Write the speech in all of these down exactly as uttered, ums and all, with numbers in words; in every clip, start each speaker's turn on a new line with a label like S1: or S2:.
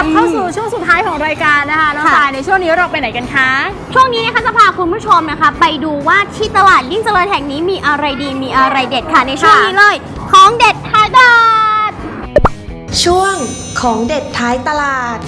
S1: เข้าสู่ช่วงสุดท้ายของรายการนะคะน้องสายในช่วงนี้เราไปไหนกันคะ
S2: ช่วงนี้นะคะจะพาคุณผู้ชมนะคะไปดูว่าที่ตลาดยิ่งเจริญแห่งนี้มีอะไรดีมีอะไรเด็ดค่ะในช่วงนี้เลยของเด็ดท้ายตลาด
S3: ช่วงของเด็ดท้ายตลาด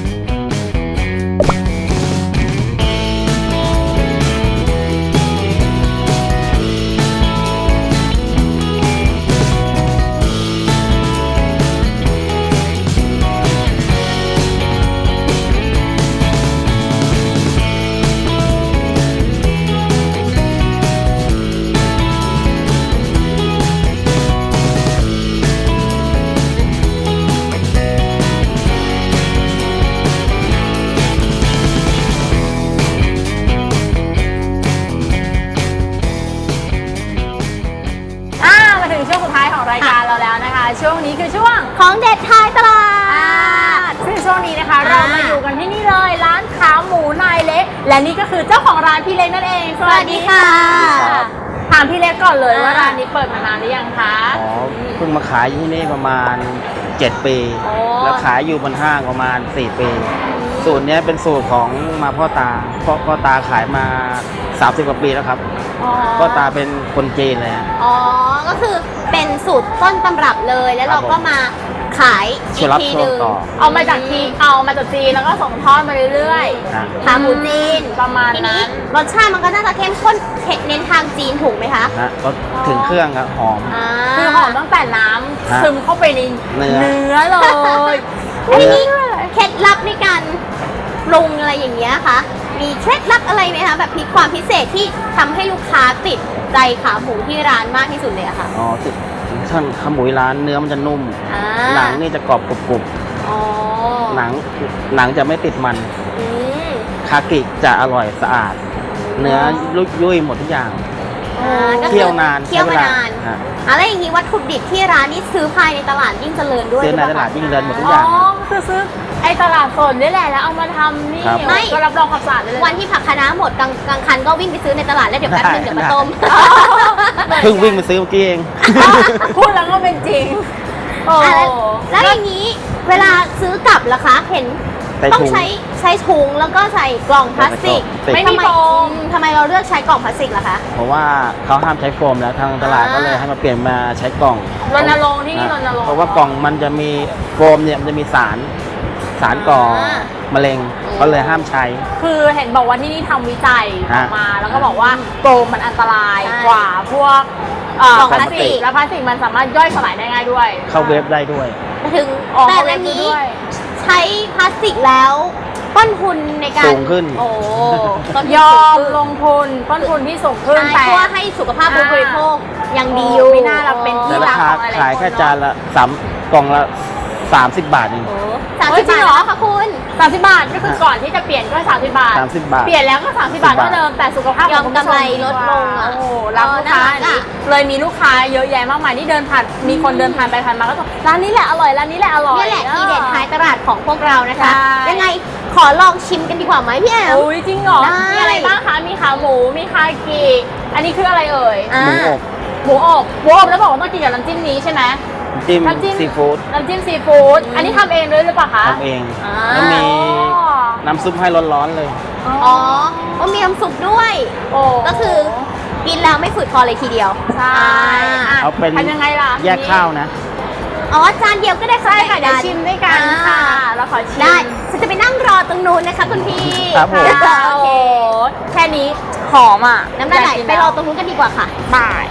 S1: ช่วงนี้คือช่วง
S2: ของเด็ดท้ายตลาด
S1: ซึ่งช่วงนี้นะคะเรามาอยู่กันที่นี่เลยร้านขาหมูนายเล็กและนี่ก็คือเจ้าของร้านพี่เล็กนั่นเอง
S2: สวัสดีค่ะ
S1: ถามพี่เล็กก่อนเลยว่าร้านนี้เปิดมานานหรือยังคะ
S4: อ๋อเพิ่งมาขายที่นี่ประมาณเจ็ดปีแล้วขายอยู่บนห้างประมาณสี่ปีสูตรนี้เป็นสูตรของมาพ่อตาพ่อพ่อตาขายมาสามสิบกว่าปีแล้วครับพ่อตาเป็นคนจีนเลย
S2: อ๋อก็คือเป็นสูตรต้นตำรับเลยแล้วเราก็มาขายอีกทีนึง
S1: เอามาจากจีนเอามาจากจีนแล้วก็ส่งทอดมาเรื่อย
S2: ๆขาหมูจีน
S1: ประมาณนั้น
S2: รสชาติมันก็น่าจะเข้มข้นเน้นทางจีนถูกไหมคะ
S4: นะก็ถึงเครื่องครับหอม
S1: คือหอมตั้งแต่น้ำซึมเข้าไปในเนื้อเนื้อเลย
S2: ทีนี้เคล็ดลับในการปรุงอะไรอย่างเงี้ยคะมีเคล็ดลับอะไรไหมคะแบบมีความพิเศษที่ทำให้ลูกค้าติดใจขาหมูที่ร้านมากที่สุดเลยอะค่ะ
S4: อ๋อติดท่านขาหมูร้านเนื้อมันจะนุ่มหนังนี่จะกรอบกรุบๆหนังหนังจะไม่ติดมันคากิจะอร่อยสะอาดเนื้อยุ่ยหมดทุกอย่างเคี่ยวนาน
S2: เคี่ยวมานานอะไรอย่างนี้วัตถุดิบที่ร้านนี้ซื้อภายในตลาดยิ่งเจริญด้วย
S4: ซื้อในตลาดยิ่งเจริญหมดทุกอย่าง
S1: อ๋อคือซื้อไอตลาดสดนี่แหละแล้วเอามาทำนี่ก็รับรองความสะอาดเลย
S2: วันที่ผักคะน้าหมดกลางกลางคันก็วิ่งไปซื้อในตลาดแล้วเดี๋ยวแป๊บนึงเดี๋ยวมาต้ม
S4: เพิ่งวิ่งไปซื้อเมื่อกี้เอง
S1: พูดแล้วก็เป็นจริง
S2: แล้วอย่างนี้เวลาซื้อกลับล่ะคะเห็นต้องใช้ใช้ถุงแล้วก็ใส่กล่องพลาสติก
S1: ไม่มีโฟม
S2: ทำไมเราเลือกใช้กล่องพลาสติกล่ะคะ
S4: เพราะว่าเขาห้ามใช้โฟมแล้วทางตลาดก็เลยให้มาเปลี่ยนมาใช้กล่อง
S1: รณรงค์ที่นี่รณรงค์
S4: เพราะว่ากล่องมันจะมีโฟมเนี่ยมันจะมีสารสารก่อมะเร็งก็เลยห้ามใช้
S1: คือเห็นบอกว่าที่นี่ทำวิจัยออกมาแล้วก็บอกว่าโฟมมันอันตรายกว่าพวก
S2: กล่องพลาสติก
S1: และพลาสติกมันสามารถย่อยสลายได้ง่ายด้วย
S4: เข้าเวฟได้ด้วย
S2: ถึงแต่อันนี้ใช้พลาสติกแล้วต้นทุนในการ
S4: สูงขึ้น
S2: โอ้
S1: ยอมลงทุนต้นทุนที่สูงขึ้น
S2: แต่เพื่อให้สุขภาพผู้บริโภคยังดีอยู่
S1: ไม่น่าเราเป็นที่
S4: รักของอะไรขายแค่จานละสามกล่องละสามสิบบาทเอง
S2: สามสิบบาทเหรอคะคุณ
S1: สามสิบบาทก็คือก่อนที่จะเปลี่ยนก็สามสิบบาท
S4: สามสิบบาท
S1: เปลี่ยนแล้วก็สามสิบบาทเท่าเดิมแต่สุขภาพ
S2: ยอมกำไรลดลงอ่ะ
S1: โอ้รับลูกค้าเลยมีลูกค้าเยอะแยะมากมายที่เดินผ่านมีคนเดินผ่านไปผ่านมาก็บอกร้านนี้แหละอร่อยร้านนี้แหละอร่อย
S2: นี่แหละที่เด็ดท้ายตลาดของพวกเรานะคะยังไงขอลองชิมกันดีกว่าไหมพี่แอม
S1: อุ้ยจริงเหรอมีอะไรบ้างคะมีขาหมูมีคากิอันนี้คืออะไรเอ่ย
S4: หมูอบ
S1: หมูอบหมูอบแล้วบอกว่าต้องกินกับน้ำจิ้มนี้ใช่ไหม
S4: น้ำจิ้มซีฟู้ด
S1: น้ำจิ้มซีฟู้ดอันนี้ทำเองเลยหรือเปล่าคะ
S4: ทำเองแล้วมีน้ำซุปให้ร้อนๆเลย
S2: อ๋อก็มีน้ำซุปด้วยก็คือกินแล้วไม่ฝืดคอเลยทีเดียว
S1: ใช่
S4: เอาเป็น
S1: ยังไงล่ะ
S4: แยกข้าวนะ
S2: อ๋อจานเดียวก็ได้
S1: ใช่ค่ะเดี๋ยวชิมด้วยกันค่ะเราขอชิม
S2: ได้ฉันจะไปนั่งรอตรงนู้นนะคะคุณพี่
S4: ครับผม
S1: โอเคแค่นี้หอมอ่ะ
S2: น้ำลายไหลไปรอตรงนู้นกันดีกว่าค่ะ
S1: บาย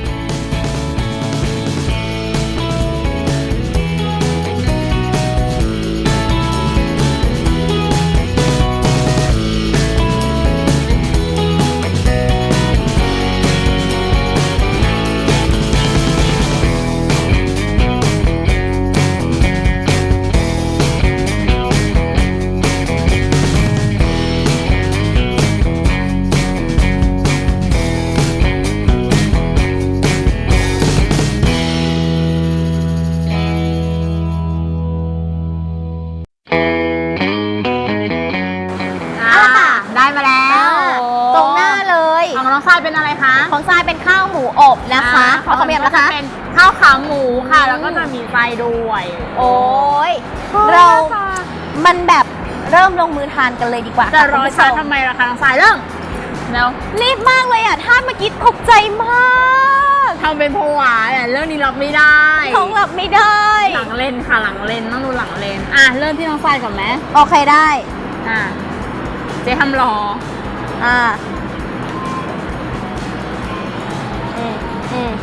S1: เป็นอะไรคะ
S2: ของทรายเป็นข้าวหมูอบนะคะของขมิ้นนะคะ
S1: เป็นข้าวขาหมูค่ะแล้วก็จะมีไส้ด้วย
S2: โอ้ยเรามันแบบเริ่มลงมือทานกันเลยดีกว่า
S1: จะ
S2: ค่
S1: รอ
S2: คุณผู้ช
S1: ช้าม ทำไมล่ะคะน้องสายเริ่มแล้ว
S2: รีบมากเลยอ่ะท่าเมื่อกี้ตกใจมาก
S1: ทำเป็นผวาเนี่ยเรื่องนี้รับไม่ได้
S2: ท้องหลับไม่ได้
S1: หลังเลนค่ะหลังเลนต้องดูหลังเลนอ่ะเริ่มที่น้องสายก่อนไหม
S2: โอเคได้
S1: อ่ะเจ๊ทำรอ
S2: อ่าอืมอืม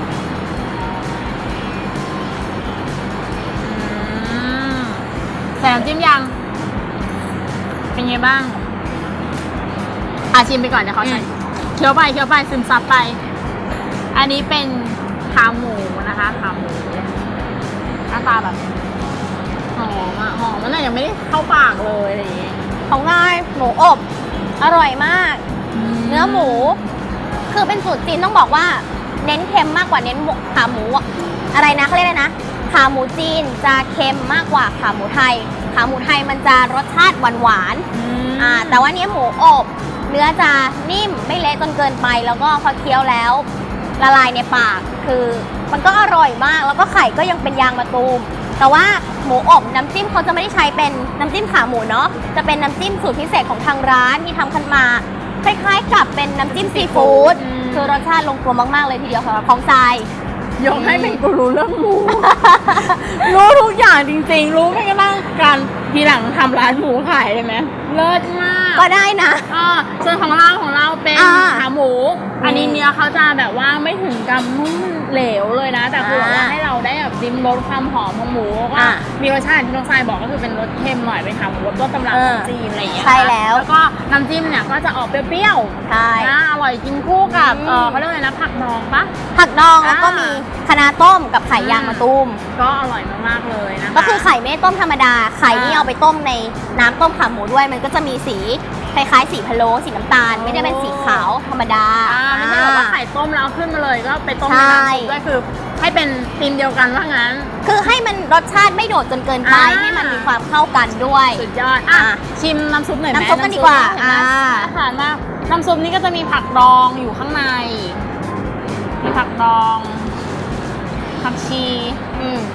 S1: อืมใส่น้ำจิ้มยังเป็นไงบ้างอาชิมไปก่อนเดี๋ยวเขาใส่เคี้ยวไปเคี้ยวไปซึมซับไป อันนี้เป็นขาหมูนะคะขาหมูหน้าตาแบบหอมอะหอมมันยังไม่ได้เข้าปากเลยอะไรอย่างเงี้ย
S2: ของง่ายหมูอบ อร่อยมาก เนื้อหมู คือเป็นสูตรจีนต้องบอกว่า เน้นเค็มมากกว่าเน้นหมูขาหมูอะอะไรนะเขาเรียกอะไรนะขาหมูจีนจะเค็มมากกว่าขาหมูไทย ขาหมูไทยมันจะรสชาติหวานหวานๆอ่าแต่ว่าเนี้ยหมูอบ เนื้อจะนิ่มไม่เละจนเกินไป แล้วก็พอเคี้ยวแล้ว ละลายในปาก คือมันก็อร่อยมาก แล้วก็ไข่ก็ยังเป็นยางมะตูม แต่ว่าหมูอบน้ำจิ้มเขาจะไม่ได้ใช้เป็นน้ำจิ้มขาหมูเนาะ จะเป็นน้ำจิ้มสูตรพิเศษของทางร้านที่ทำขึ้นมา คล้ายๆกับเป็นน้ำจิ้มซีฟู้ด คือรสชาติลงตัวมากๆเลยทีเดียวสำหรับของทราย
S1: ยกให้เป็นกูรู้เรื่องหมู รู้ทุกอย่างจริงๆ รู้ไม่กระทั่งการทีหลังทำร้านหมูขายได้ไหมเลิศมาก
S2: ก็ได้นะ
S1: อ่าส่วนของเราของเราเป็น
S2: อ่า
S1: ขาหมู อันนี้เนื้อเขาจะแบบว่าไม่ถึงกับนุ่มเหลวเลยนะ แต่คือแบบว่า
S2: อ่า
S1: ให้เราได้แบบริมรสความหอมของหมูก็
S2: อ่า
S1: มีรสชาติที่น้องทรายบอกก็คือเป็นรสเค็มหน่อยเป็นขาหมูรสต้นตำรับ
S2: เอ
S1: ข
S2: อ
S1: องจีนอะไรอย่างเงี้ย
S2: ใช่แล้ว
S1: แล้วก็น้ำจิ้มเนี่ยก็จะออกเปรี้ยว
S2: ใช่
S1: ๆนะอร่อยกินคู่กับ
S2: อืม
S1: เออเขาเรียกอะไรนะผักดองปะ
S2: ผักดองแล้วก็
S1: อ่ามี
S2: มีคะน้าต้มกับไข่ยางมะตูม
S1: ก็อร่อยมากๆเลยนะคะ
S2: ก็คือไข่ไม่ได้ต้มธรรมดา ไข่นี่
S1: อ่า
S2: เอาไปต้มในน้ำต้มขาหมูด้วย มันก็จะมีสีคล้ายๆสีพะโล้สีน้ำตาล ไม่ได้เป็นสีขาวธรรมดา
S1: อ่าไม่ใช่แบบว่าไข่ต้มแล้วขึ้นมาเลยก็ไปต้มใน
S2: ใช่
S1: น้ำซุปด้วยคือให้เป็นธีมเดียวกันว่างั้น
S2: คือให้มันรสชาติไม่โดดจนเกินไป
S1: อ่า
S2: ให้มันมีความเข้ากันด้วย
S1: สุดยอดอ่ะ
S2: อ่ะ
S1: ชิมน้ำซุปหน่อยไหม
S2: น้ำซุปกันดีกว่า
S1: เห็นไหม
S2: อ่า
S1: น่าทานมากน้ำซุปนี่ก็จะมีผักดองอยู่ข้างใน มีผักดองผักชี
S2: อืม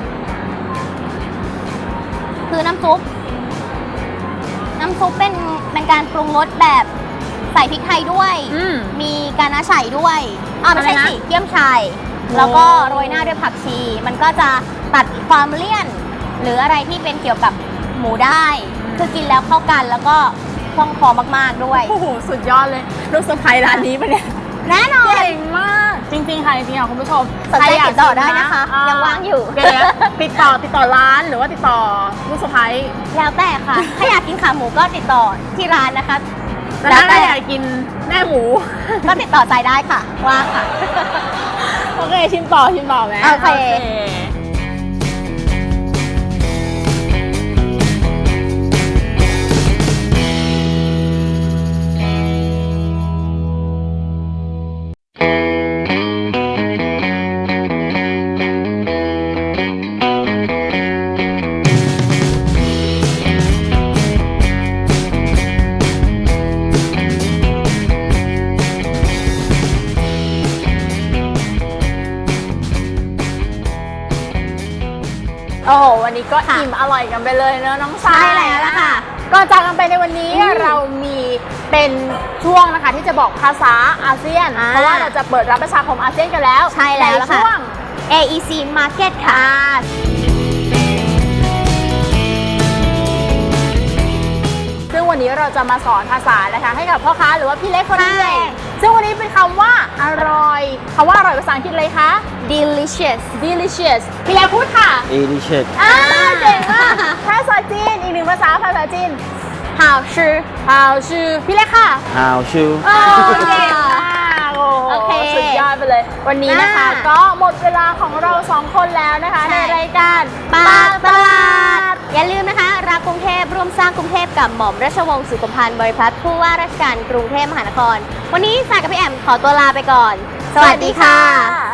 S2: คือน้ำซุป น้ำซุปเป็นเป็นการปรุงรสแบบใส่พริกไทยด้วย
S1: อืม
S2: มีกานาไฉด้วยอ่าไม่ใช่
S1: อะไรนะ
S2: สิเกี๊ยมชัย
S1: โอ้
S2: แล้วก็โรยหน้าด้วยผักชี มันก็จะตัดความเลี่ยน หรืออะไรที่เป็นเกี่ยวกับหมูได้ คือกินแล้วเข้ากันแล้วก็คล่องคอมากๆด้วย
S1: โอ้โหสุดยอดเลยลูกสะใภ้ร้านนี้ปะเนี่ย
S2: แน่นอน
S1: เก่งมาก จริงๆค่ะจริงๆค่ะคุณผู้ชม
S2: สนใจ
S1: ใครยาก
S2: ติดต่อได้
S1: ชิม
S2: นะคะ
S1: อ่
S2: ยังว่างอยู่
S1: เดี๋ยวๆติดต่อติดต่อร้านหรือว่าติดต่อลูกสะใภ้
S2: แล้วแต่ค่ะ ถ้าอยากกินขาหมูก็ติดต่อที่ร้านนะคะ
S1: แต่ถ้าใครอยากกินแม่หมู
S2: ก็ติดต่อใจได้ค่ะ ว่างค่ะ
S1: โอเค ชิมต่อชิมต่อไหม
S2: โอเค
S1: โอ้โหวันนี้ก็อิ่มอร่อยกันไปเลยเนอะน้องสาย
S2: ใช่แล้วล่ะค่ะ
S1: ก่อนจากกันไปในวันนี้เรามีเป็นช่วงนะคะที่จะบอกภาษาอาเซียน
S2: อ่า
S1: เพราะว่าเราจะเปิดรับประชาคมอาเซียนกันแล้ว
S2: ใช่แล้วล่ะ
S1: ใน
S2: ค่ะ
S1: ช่วง
S2: เอ อี ซี Market ค่ะ
S1: ซึ่งวันนี้เราจะมาสอนภาษานะคะให้กับพ่อค้าหรือว่าพี่เล็กคนนี้
S2: ใช่
S1: เองซึ่งวันนี้เป็นคำว่าอร่อยคำว่าอร่อยภาษาอังกฤษเลยคะ
S2: delicious
S1: delicious พี่เล็กพูดค่ะ
S4: เอดิเชต
S1: อ่าเก่งมากภาษาจีนอีกหนึ่งภาษาภาษาจีน
S2: 好吃
S1: ฮาวชื่อพี่เล็กค่ะ
S4: ฮาวชู
S1: โอ้เก่งมากโอ้โห
S2: โอเค
S1: สุดยอดไปเลย วันนี้นะคะ
S2: อ่า
S1: ก็หมดเวลาของเราสองคนแล้วนะคะ
S2: ใช่
S1: ในรายการ
S2: ปากตลาด อย่าลืมนะคะ รักกรุงเทพร่วมสร้างกรุงเทพกับหม่อมราชวงศ์สุขุมพันธ์บริพัตรผู้ว่าราชการกรุงเทพมหานคร วันนี้สายกับพี่แอมขอตัวลาไปก่อน สวัสดีค่ะ